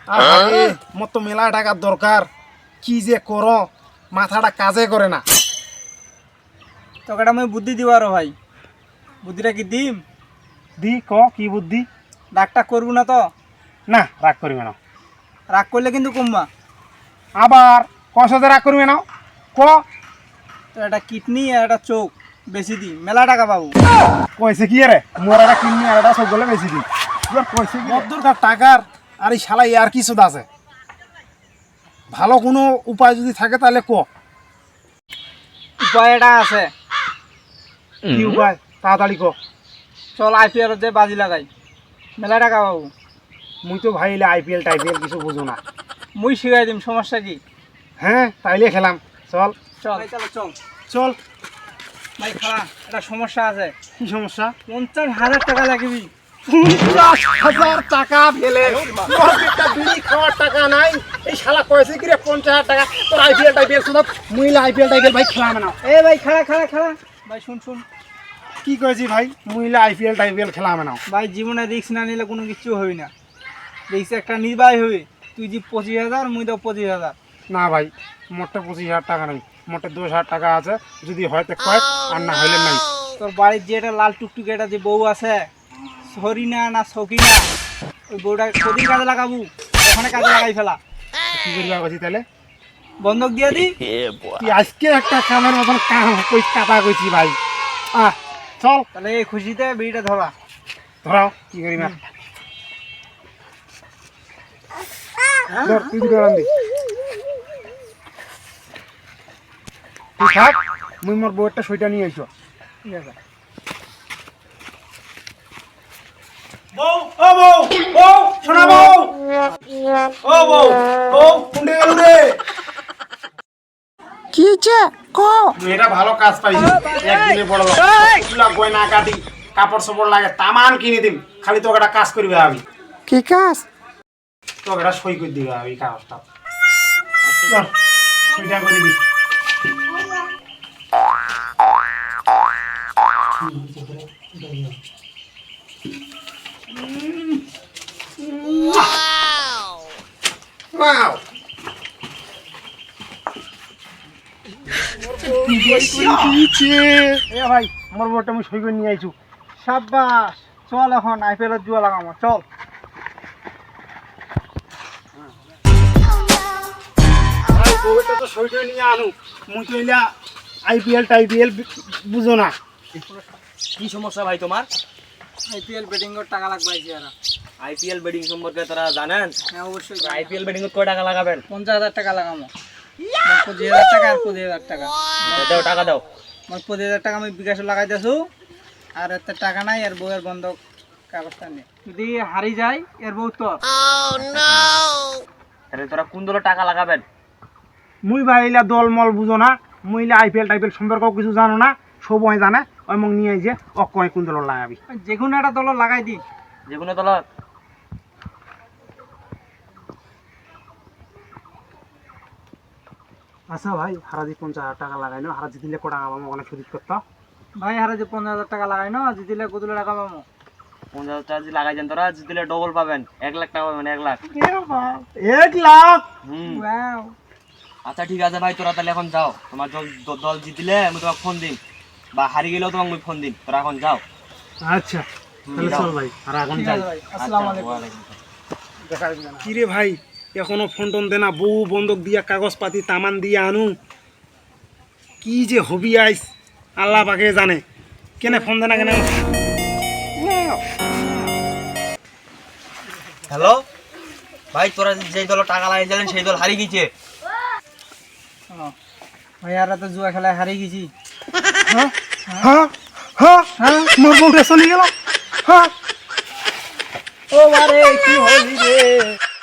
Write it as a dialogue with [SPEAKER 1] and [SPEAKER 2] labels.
[SPEAKER 1] আরে মোর তো মেলা টাকার দরকার, কি যে করো মাথাটা কাজে করে না।
[SPEAKER 2] তোকে আমি বুদ্ধি দিব আরো ভাই, বুদ্ধিটা কি দিম?
[SPEAKER 1] দি ক কি বুদ্ধি?
[SPEAKER 2] রাগটা করবো না তো?
[SPEAKER 1] না রাগ করবে না।
[SPEAKER 2] রাগ করলে কিন্তু কমবা।
[SPEAKER 1] আবার কষাতে রাগ করবে না ক।
[SPEAKER 2] তো একটা কিডনি আর একটা চোখ বেশি দি, মেলা টাকা পাবো।
[SPEAKER 1] কইছে কি রে মোর একটা কিডনি আর একটা সব গলে বেশি দি। তোর কইছে কি দরকার টাকার? আর এই শালা আর কিছু আছে? ভালো কোনো উপায় যদি থাকে তাহলে ক।
[SPEAKER 2] উপায় এটা আছে।
[SPEAKER 1] কি উপায় তাড়াতাড়ি ক।
[SPEAKER 2] চল IPL যে বাজি লাগাই, মেলা টাকা পাবো।
[SPEAKER 1] মুই তো ভাই আইপিএল টাইপিএল কিছু বুঝো না।
[SPEAKER 2] মুই শিখাই দিম, সমস্যা কি?
[SPEAKER 1] হ্যাঁ তাইলে খেলাম চল।
[SPEAKER 2] চল চল চল
[SPEAKER 1] চল।
[SPEAKER 2] ভাই খালা, একটা সমস্যা আছে।
[SPEAKER 1] কি সমস্যা?
[SPEAKER 2] 50,000 টাকা লাগবি।
[SPEAKER 1] 50,000 টাকা ফেলে তোর একটা বিড়ি খাওয়ার টাকা নাই। এই শালা কইছে কি রে 50,000 টাকা তোর আইপিএল টাইপিএল শুধু মুইলা আইপিএল টাইপিএল ভাই খেলাম না।
[SPEAKER 2] এ ভাই খালা খালা খালা, ভাই শুন শুন।
[SPEAKER 1] কি কইছি ভাই? মুইলা আইপিএল টাইপিএল খেলাম না।
[SPEAKER 2] ভাই জীবনে রিস্ক না নিলে কোনো কিছু হবে না। রিস্ক একটা নির্বাহী হবে। তুই যে 25,000, মুই তো 25,000।
[SPEAKER 1] না ভাই মোটে 25,000 টাকা নাই, মোটে 10,000 টাকা আছে। যদি হয় তো কয়েক, আর না হইলে নাই।
[SPEAKER 2] তোর বাড়ির যে এটা লাল টুকটুকে এটা যে বউ আছে, সরিনা না সকিনা, ওই বউটা কদিন কাজে লাগাবো? ওখানে কাজে লাগাই ফেলা।
[SPEAKER 1] কি করিবা কইছি তাহলে?
[SPEAKER 2] বন্ধক দিয়ে দি।
[SPEAKER 1] কি আজকে একটা কামের মতন কাম কই কাটা কইছি ভাই। চল
[SPEAKER 2] তাহলে এই খুশিতে বিড়িটা ধরা।
[SPEAKER 1] ধরাও কি করিবা। ধর তুই দুটো রান দি। তুই থাক, মুই মোর বউয়েরটা সইটা নিয়ে আইছো।
[SPEAKER 2] ঠিক আছে।
[SPEAKER 1] বউ ও বউ বউ শোনা বউ ও বউ বউ কুন্ডে গেল রে।
[SPEAKER 3] কি হয়েছে ক?
[SPEAKER 1] এটা ভালো কাজ পাইছি, একদিনে বড় লোক। তুলা গয়না কাটি কাপড় সাপড় লাগে তামান কিনে দিম, খালি তোকে একটা কাজ করবে আমি।
[SPEAKER 3] কি কাজ?
[SPEAKER 1] তোকে একটা সই করে দিবে আমি কাগজটা। চল, সইটা করে দি। Wow! এ ভাই আমার বউটা আমি সই করে নিয়ে আইছু।
[SPEAKER 2] সাব্বাস, চল এখন IPL এর জুয়া লাগামো, চল।
[SPEAKER 1] ভাই বউটা তো সই করে নিয়ে আনু, মুই তো এলা আইপিএল টাইপিএল বুঝো না।
[SPEAKER 4] কি সমস্যা ভাই তোমার?
[SPEAKER 2] IPL ব্যাটিং এর টাকা লাগবে আর।
[SPEAKER 4] আইপিএল বেডিং সম্পর্কে তারা জানেন?
[SPEAKER 2] হ্যাঁ অবশ্যই।
[SPEAKER 4] আইপিএল বেডিং এর কয় টাকা লাগাবেন?
[SPEAKER 2] 50,000 টাকা লাগামো। 25,000 টাকা আর 25,000 টাকা।
[SPEAKER 4] দাও টাকা দাও।
[SPEAKER 2] 25,000 টাকা আমি বিকাশে লাগাই দিয়েছো। আর এত টাকা নাই, আর বউয়ের বন্ধক কাগজটা নেই। যদি হারি যায় এর বউ তোর।
[SPEAKER 4] তাহলে তোরা কোন দলে টাকা লাগাবেন?
[SPEAKER 1] মুই ভাই এলা দল মল বুঝো না, মুই এলা আইপিএল টাইপিএল সম্পর্কেও কিছু জানো না। সবাই জানে ওই মগ নিয়ে যে অকয় কোন দল লাগাবি।
[SPEAKER 2] যে কোনো একটা দল লাগাই দি।
[SPEAKER 4] যে কোনো দলত?
[SPEAKER 1] আচ্ছা ভাই হারাজি 50,000 টাকা লাগাই না, হারাজি দিলে কটা আমার অনেক সুযোগ করতো।
[SPEAKER 2] ভাই হারে যে 15,000 টাকা লাগাই না, জিতিলে কত টাকা পাবো?
[SPEAKER 4] 50,000 টাকা যদি লাগাই দেন তোরা, জিতলে ডবল পাবেন, 1 লাখ টাকা পাবেন। 1 লাখ।
[SPEAKER 1] 1,00,000?
[SPEAKER 2] ওয়াও।
[SPEAKER 4] আচ্ছা ঠিক আছে ভাই, তোরা তাহলে এখন যাও। তোমার দল জিতলে আমি তোমাকে ফোন দিন, বা হারিয়ে গেলেও তোমাকে আমি ফোন দিন। তোরা এখন যাও।
[SPEAKER 1] আচ্ছা তাহলে চল ভাই, আর এখন
[SPEAKER 2] ঠিক
[SPEAKER 1] যাই।
[SPEAKER 2] আছে ভাই, আসসালামু আলাইকুম।
[SPEAKER 1] কি রে ভাই এখনো ফোন টোন দেনা, বউ বন্ধক দিয়া কাগজপাতি তামান দিয়ে আনু, কি যে হবি আইস আল্লাহ পাকে জানে। কেনে ফোন দেনা কেনে?
[SPEAKER 4] হ্যালো ভাই, তোরা যেই দল টাকা লাগিয়েছিলেন সেই দল হারিয়ে গেছে।
[SPEAKER 2] ভাই আর তো জুয়া খেলায় হারিয়ে গেছি।
[SPEAKER 1] হ্যাঁ হ্যাঁ হ্যাঁ হ্যাঁ মোর বউটা চলে গেল। হ্যাঁ
[SPEAKER 2] ও বারে কি হলি রে।